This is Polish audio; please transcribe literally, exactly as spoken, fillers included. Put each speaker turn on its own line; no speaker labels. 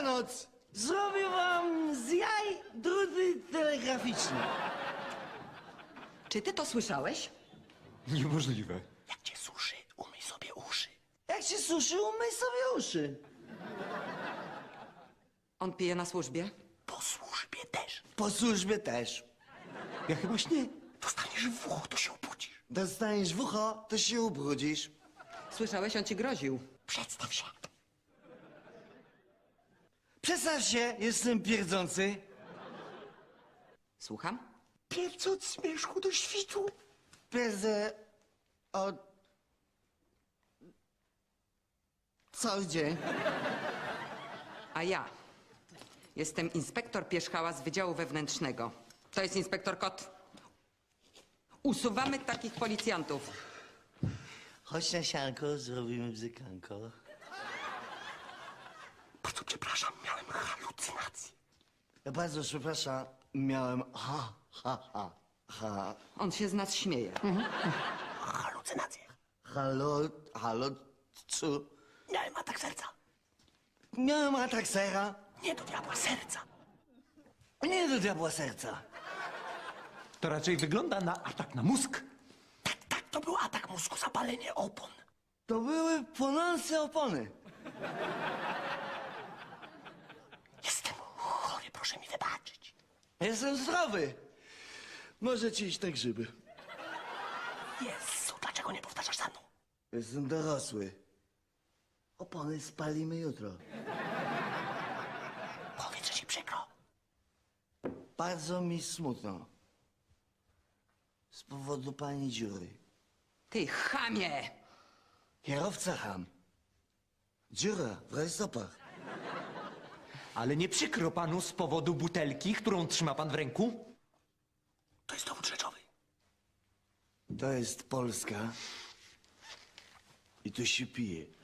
Dobranoc! Zrobię wam z jaj druty telegraficzne.
Czy ty to słyszałeś?
Niemożliwe.
Jak cię suszy, umyj sobie uszy.
Jak się suszy, umyj sobie uszy.
On pije na służbie?
Po służbie też.
Po służbie też.
Ja chyba śnię.
Dostaniesz w ucho, to się obudzisz.
Dostaniesz w ucho, to się ubrudzisz.
Słyszałeś, on ci groził.
Przedstaw się.
Przedstaw się, jestem pierdzący.
Słucham?
Pierdź od zmierzchu do świtu.
Pierdzę od... cały dzień.
A ja jestem inspektor Pierzchała z Wydziału Wewnętrznego. To jest inspektor Kot. Usuwamy takich policjantów.
Chodź na sianko, zrobimy bzykanko.
Bardzo przepraszam, miałem halucynację.
Ja bardzo przepraszam, miałem ha, ha, ha, ha.
On się z nas śmieje.
Halucynację.
Halo, halo, cu?
Miałem atak serca.
Miałem atak sera.
Nie do diabła serca.
Nie do diabła serca.
To raczej wygląda na atak na mózg.
Tak, tak, to był atak mózgu, zapalenie opon.
To były płonące opony.
Jestem chory, proszę mi wybaczyć.
Jestem zdrowy. Możecie iść na grzyby.
Jezu, dlaczego nie powtarzasz za mną?
Jestem dorosły. Opony spalimy jutro.
Powiedz, że ci przykro.
Bardzo mi smutno. Z powodu pani dziury.
Ty chamie!
Kierowca ham. Dziura w rajstopach.
Ale nie przykro panu z powodu butelki, którą trzyma pan w ręku?
To jest dowód rzeczowy.
To jest Polska. I tu się pije.